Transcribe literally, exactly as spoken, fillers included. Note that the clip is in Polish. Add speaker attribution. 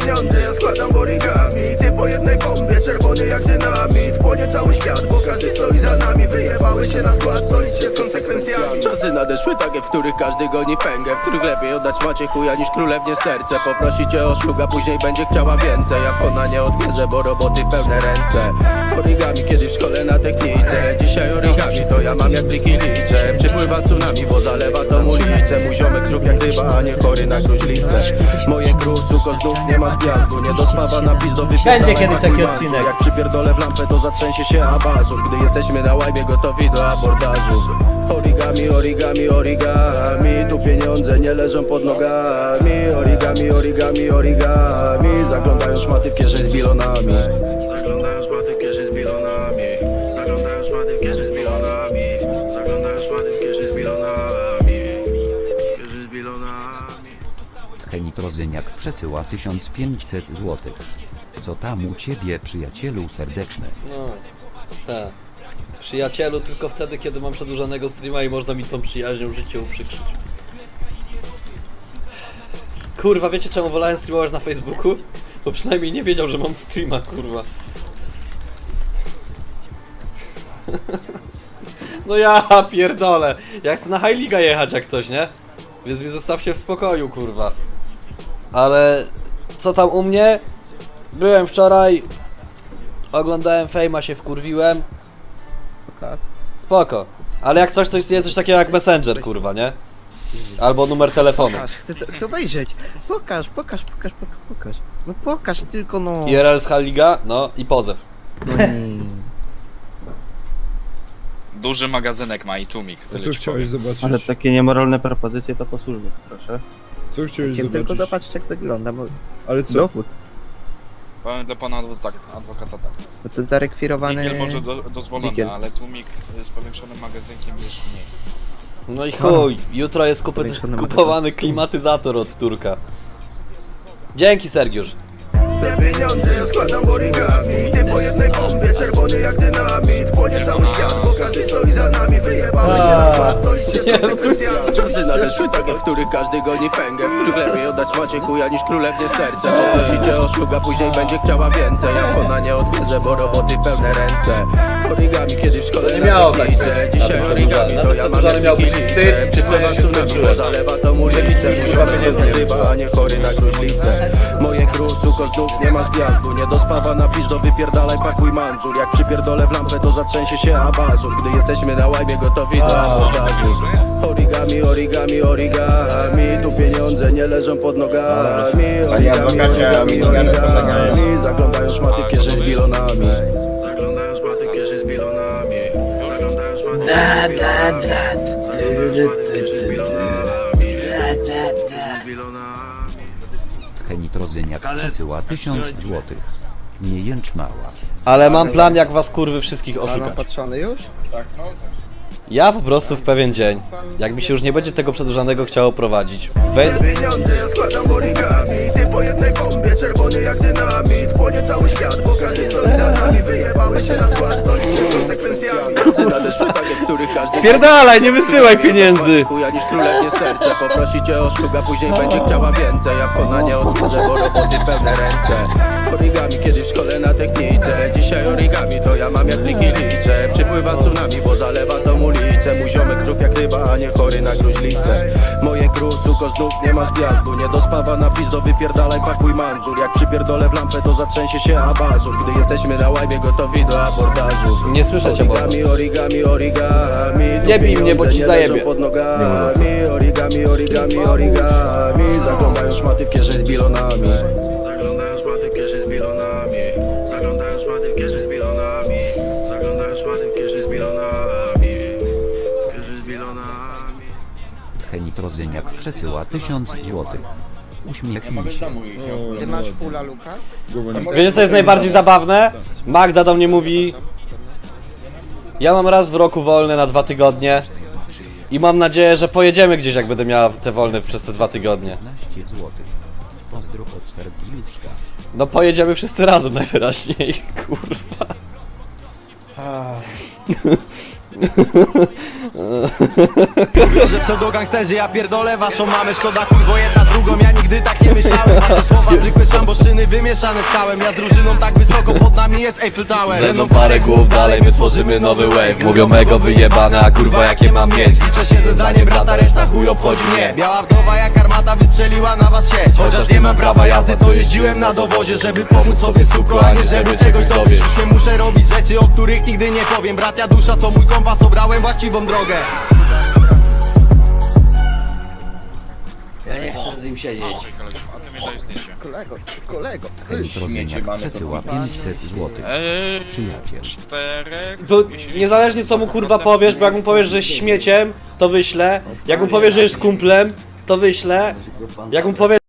Speaker 1: pieniądze ja składam origami. Ty po jednej bombie, czerwony jak dynamit. Płonie cały świat, bo każdy stoi za nami. Wyjebały się na skład, to licz się z konsekwencjami. Czasy nadeszły takie, w których każdy goni pęgę, w których lepiej oddać macie chuja niż królewnie serce. Poprosi cię o szluga, później będzie chciała więcej. Jak ona nie odbierze, bo roboty pełne ręce. Origami kiedyś w szkole na technice, dzisiaj origami to ja mam jak pliki liczę. Przypływa tsunami, bo zalewa tą ulicę. Mój ziomek trup jak ryba, a nie chory na gruźlicę. Moje gruz, suko znów nie ma zwiazdu. Nie dospawa na pizdo, wypierdala.
Speaker 2: Będzie kiedyś taki odcinek.
Speaker 1: Jak przypierdolę w lampę, to zatrzęsie się abażur. Gdy jesteśmy na łajbie gotowi do abordażu. Origami, origami, origami. Tu pieniądze nie leżą pod nogami. Origami, origami, origami. Zaglądają szmaty w kieszeń z bilonami. Zaglądają szmaty w kieszeń z bilonami. Zaglądają szmaty w kieszeń z bilonami. Zaglądają szmaty w kieszeń z bilonami. Kieszeń z bilonami.
Speaker 3: Henitrozyniak przesyła tysiąc pięćset złotych. Co tam u ciebie, przyjacielu serdeczny?
Speaker 2: No, tak. Przyjacielu tylko wtedy, kiedy mam przedłużonego streama i można mi tą przyjaźnią życie uprzykrzyć. Kurwa, wiecie czemu wolałem streamować na Facebooku? Bo przynajmniej nie wiedział, że mam streama, kurwa. No ja pierdolę. Ja chcę na High Liga jechać jak coś, nie? Więc mnie zostawcie w spokoju, kurwa. Ale co tam u mnie? Byłem wczoraj. Oglądałem Fejma, się wkurwiłem. Spoko. Ale jak coś, to istnieje coś takiego jak Messenger, kurwa, nie? Albo numer telefonu.
Speaker 4: Pokaż, chcę, chcę obejrzeć. Pokaż, pokaż, pokaż, pokaż, pokaż. No pokaż tylko, no.
Speaker 2: I R L z High Liga, no i pozew.
Speaker 5: Duży magazynek ma i tłumik,
Speaker 6: Co
Speaker 5: tyle ci
Speaker 6: chciałeś
Speaker 5: powiem.
Speaker 6: zobaczyć?
Speaker 7: Ale takie niemoralne propozycje to po służbie, proszę.
Speaker 6: Co chciałeś
Speaker 4: Chciałem tylko
Speaker 6: zobaczyć?
Speaker 4: zobaczyć jak wygląda, bo
Speaker 6: Ale co?
Speaker 4: dowód.
Speaker 5: Powiem dla pana adwokata, adwokata tak.
Speaker 4: Bo to zarekwirowany...
Speaker 5: Digiel może do, dozwolony,
Speaker 4: Digiel.
Speaker 5: ale tłumik z powiększonym magazynkiem już mniej.
Speaker 2: No i chuj, jutro jest kupy,
Speaker 4: Powiększony
Speaker 2: kupowany klimatyzator od Turka. Dzięki, Sergiusz.
Speaker 1: Te pieniądze ja składam origami. Ty po jednej bombie, czerwony jak dynamit. Płonie cały świat, bo każdy stoi za nami. Wyjebały się na skład, to licz się z konsekwencjami. Czasy nadeszły takie, w których każdy goni pęgę, w których lepiej oddać macie chuja niż królewnie serce. Poprosicie o szluga, później będzie chciała więcej. Jak ona nie odbierze, bo roboty pełne ręce. Origami kiedyś w szkole
Speaker 2: nie miało
Speaker 1: na
Speaker 2: tak
Speaker 1: technice,
Speaker 2: być.
Speaker 1: dzisiaj
Speaker 2: Na tym
Speaker 1: origami to ja mam
Speaker 2: przedłużanym miał być wstyd,
Speaker 1: Przypływa
Speaker 2: się
Speaker 1: tsunami, bo
Speaker 2: skończyłem.
Speaker 1: zalewa tą ulicę. Mój ziomek jest ryba, a nie chory na gruźlicę. Moje gruz, suko znów nie ma zwiazdu. Nie dospawa na pizdo, wypierdalaj, pakuj mandżur. Jak przypierdolę w lampę, to zatrzęsie się abażur. Gdy jesteśmy na łajbie gotowi do abordażu. Origami, origami, origami. Tu pieniądze nie leżą pod nogami. Origami, origami, origami. Zaglądają szmaty w kieszeń z bilonami. Zaglądają szmaty w kieszeń z bilonami. Zaglądają szmaty w kieszeń z bilonami.
Speaker 3: Henitrozyniak przesyła tysiąc złotych. Nie jęcz mała.
Speaker 2: Ale mam plan, jak was kurwy wszystkich
Speaker 4: Pan
Speaker 2: oszukać.
Speaker 4: opatrzony już?
Speaker 2: Ja po prostu w pewien dzień, jak mi się już nie będzie tego przedłużanego chciało prowadzić, wejdę...
Speaker 1: Pieniądze ja składam origami. Ty po jednej bombie, czerwony jak dynamit. Płonie cały świat, bo każdy stoi za nami. Wyjebały się na skład, to licz się z konsekwencjami. Nadeszły takie, w których każdy...
Speaker 2: Spierdalaj, nie wysyłaj pieniędzy!
Speaker 1: Chuja niż królewnie serce. Poprosicie o szluga, później będzie chciała więcej. Jak ona nie odbierze, bo roboty pełne ręce. Origami kiedyś w szkole na technice, dzisiaj origami to ja mam jak pliki liczę. Przypływa tsunami, bo zalewa tą ulicę. Mój ziomek trup jak ryba, a nie chory na gruźlicę. Moje gruz, suko znów nie ma zwiazdu. Nie dospawa na pizdo, wypierdalaj, pakuj mandżur. Jak przypierdolę w lampę, to zatrzęsie się abażur. Gdy jesteśmy na łajbie gotowi do abordażu.
Speaker 2: Nie słyszę cię, bo...
Speaker 1: Origami, origami, origami.
Speaker 2: Nie bij mnie, bo ci zajebie.
Speaker 1: Pod nogami. Origami, origami, origami. Zaglądają szmaty w kieszeń z bilonami. Zaglądają szmaty w kieszeń z bilonami. Zaglądają szmaty w kieszeń z bilonami. Zaglądają szmaty w kieszeń z bilonami. Kieszeń z bilonami.
Speaker 3: Henitrozyniak przesyła tysiąc złotych. Uśmiechnij się.
Speaker 4: Ty masz fulla, Lukas?
Speaker 2: Wiecie co jest najbardziej zabawne? Magda do mnie mówi: ja mam raz w roku wolne na dwa tygodnie i mam nadzieję, że pojedziemy gdzieś, jak będę miała te wolne przez te dwa tygodnie.
Speaker 3: piętnaście złotych. Pozdro od Sergiuszka.
Speaker 2: No pojedziemy wszyscy razem najwyraźniej, kurwa.
Speaker 1: Mówią, że pseudogangsterzy, ja pierdolę waszą mamę. Szkoda kurwo jedna z drugą, ja nigdy tak nie myślałem. Wasze słowa zwykłe szamboszczyny wymieszane z kałem. Ja z drużyną tak wysoko, pod nami jest Eiffel Tower.
Speaker 2: Ze mną parę głów dalej, my tworzymy nowy wave. Mówią mego wyjebane, a kurwa jakie mam mieć.
Speaker 1: Liczę się ze zdaniem brata, reszta chuj obchodzi mnie. Biała wdowa jak armata wystrzeliła na was sieć. Chociaż nie mam prawa jazdy, to jeździłem na dowozie, żeby pomóc sobie suko, a nie żeby czegoś dowieść. Już nie muszę robić rzeczy, o których nigdy nie powiem. Bracia dusza to mój kompas, obrałem właściwą drogę.
Speaker 2: Ja nie chcę z nim siedzieć.
Speaker 5: A ty mi daj zdjęcie.
Speaker 4: Kolego, kolego.
Speaker 3: Elektrozyniak przesyła pięćset złotych.
Speaker 5: Eee,
Speaker 3: Przyjaciel.
Speaker 5: czterech...
Speaker 2: To
Speaker 5: jeśli-
Speaker 2: niezależnie co mu kurwa powiesz, bo jak mu powiesz, że jest śmieciem, to wyślę. Jak mu powiesz, że jest kumplem, to wyślę. Jak mu powiesz,